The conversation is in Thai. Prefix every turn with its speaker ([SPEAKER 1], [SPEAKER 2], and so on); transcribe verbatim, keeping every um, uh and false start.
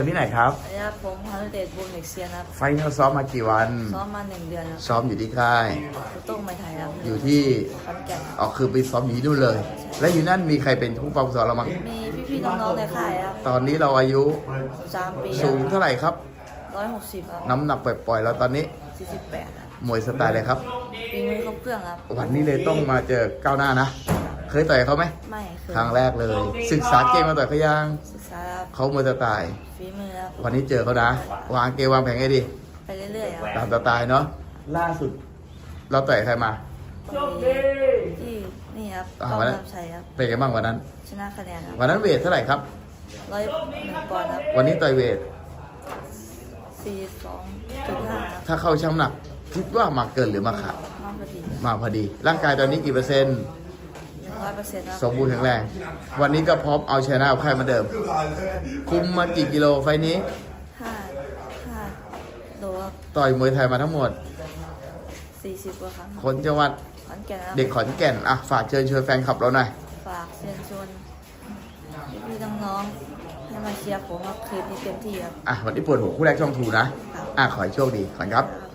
[SPEAKER 1] ที่ไหนครับ
[SPEAKER 2] ระยะผมพานุเดชบุญเอกเซียนครับ
[SPEAKER 1] ไฟนอลซ้อมมากี่วัน
[SPEAKER 2] ซ้อมมาหนึ่งเดือนครับ
[SPEAKER 1] ซ้อมอยู่ที่ค่าย
[SPEAKER 2] คุณต้องไม่ไทยครับ
[SPEAKER 1] อยู่ที่
[SPEAKER 2] ขอนแก่น
[SPEAKER 1] อ๋อคือไปซ้อมอยู่ที่นู่นเลย และอยู่นั่นมีใครเป็นผู้ปกครองเรามั้ง
[SPEAKER 2] มีพี่ๆน้องๆในค่ายครับ
[SPEAKER 1] ตอนนี้เราอายุ
[SPEAKER 2] สามปี
[SPEAKER 1] สูงเท่าไหร่ครับ
[SPEAKER 2] ร้อยหกสิบครับ
[SPEAKER 1] น้ำหนักปล่อยๆแล้วตอนนี้
[SPEAKER 2] สี่สิบแปดครับ
[SPEAKER 1] มวยสไตล์เลยครับ
[SPEAKER 2] ปีมือครบเครื่องครับ
[SPEAKER 1] วันนี้เลยต้องมาเจอก้าวหน้านะเคยต่อยเขาไหม
[SPEAKER 2] ไม่เคย
[SPEAKER 1] ครั้งแรกเลย ศึกษาเกมมาต่อยเขายัง
[SPEAKER 2] ศึกษาครับ
[SPEAKER 1] เขามวยสไตล์
[SPEAKER 2] ฝีมือครับ
[SPEAKER 1] วันนี้เจอเขานะวางเกมวางแผนให้ดี
[SPEAKER 2] ไปเรื่อยๆครับ
[SPEAKER 1] ตามสไตล์เนาะล่าสุดเราต่อยใครมา
[SPEAKER 2] ที่นี่ครับ
[SPEAKER 1] อ่า
[SPEAKER 2] ก้อง
[SPEAKER 1] วันนั้น
[SPEAKER 2] นำชัยครับ
[SPEAKER 1] เป็นไงบ้างวันนั้น
[SPEAKER 2] ชนะคะแนนครับ
[SPEAKER 1] วันนั้นเวทเท่าไหร่ครับ
[SPEAKER 2] ร้อยหนึ่งปอนด์ครับ
[SPEAKER 1] วันนี้ต่อยเวท
[SPEAKER 2] สี่สองจุดห้าครับ
[SPEAKER 1] ถ้าเข้าช่ำหนักคิดว่ามาเกินหรือมาขาด
[SPEAKER 2] น้องพอดี
[SPEAKER 1] มาพอดี ร่างกายตอนนี้กี่เปอร์เซ็นต์
[SPEAKER 2] หนึ่งร้อยเปอร์เซ็นต์ครับ
[SPEAKER 1] สมบูรณ์แข็งแรงวันนี้ก็พร้อมเอาชนะเอาใครมาเดิม คุมมากี่กิโลไฟนี้
[SPEAKER 2] ห้าห้าโลครับ
[SPEAKER 1] ต่อยมวยไทยมาทั้งหมด
[SPEAKER 2] สี่สิบกว่าครั้ง
[SPEAKER 1] คนจังหวัด
[SPEAKER 2] ขอนแก่นครับ
[SPEAKER 1] เด็กขอนแก่นอ่ะฝากเชิญชวนแฟนคลับเราหน่อย
[SPEAKER 2] ฝากเชิญชวนพี่ๆน้องๆให้มาเชียร์ผมครับคืนนี้เต็มที่ครับ
[SPEAKER 1] อ่ะวันนี้ปวดหัวคู่แรกช่องทูนะอ่ะขอให้โชคดีขอบคุณครับ